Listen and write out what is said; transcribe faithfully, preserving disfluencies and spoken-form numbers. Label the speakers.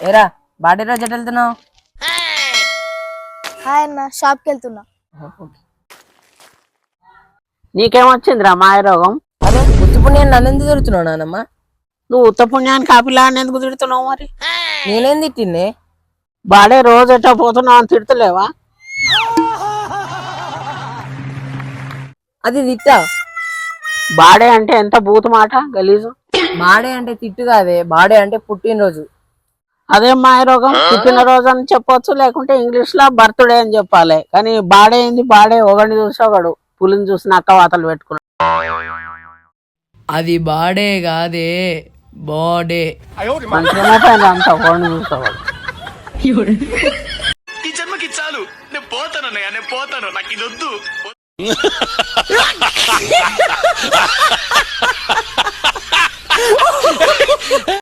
Speaker 1: ఏరా బాడీ రోజు ఎటు వెళ్తున్నావు?
Speaker 2: హాయ్ అన్న, షాప్కి వెళ్తున్నా.
Speaker 3: నీకేమొచ్చిందిరా మాయ రోగం?
Speaker 1: అరే ఉత్తి పుణ్యాన్ని నన్ను ఎందుకు తిరుగుతున్నావు నానమ్మ?
Speaker 3: నువ్వు ఉత్త పుణ్యానికి కాపిలాన్ని ఎందుకు తిడుతున్నావు మరి?
Speaker 1: నేనేం తిట్టిందే?
Speaker 3: బాడే రోజు ఎట్టా పోతున్నావు అని తిడతలేవా?
Speaker 1: అది తిట్టా.
Speaker 3: బాడే అంటే ఎంత బూతు మాట, గలీజు.
Speaker 1: బాడే అంటే తిట్టు కాదే, బాడే అంటే పుట్టినరోజు.
Speaker 3: అదే మాయ రోగం. పుట్టినరోజు అని చెప్పొచ్చు, లేకుంటే ఇంగ్లీష్ లో బర్త్డే అని చెప్పాలి. కానీ బాడే ఏంది? బాడే ఒకడిని చూసి ఒకడు పులిని చూసి నక్క వాతలు పెట్టుకున్నాడు.
Speaker 4: అది బాడే కాదే, బాడే.
Speaker 3: మంచిగా అంత ఒకడిని చూసేవాడు.
Speaker 5: ఈ జన్మకి చాలు, నేను పోతాను అన్నయ్య, నేను పోతాను, నాకు ఇది వద్దు.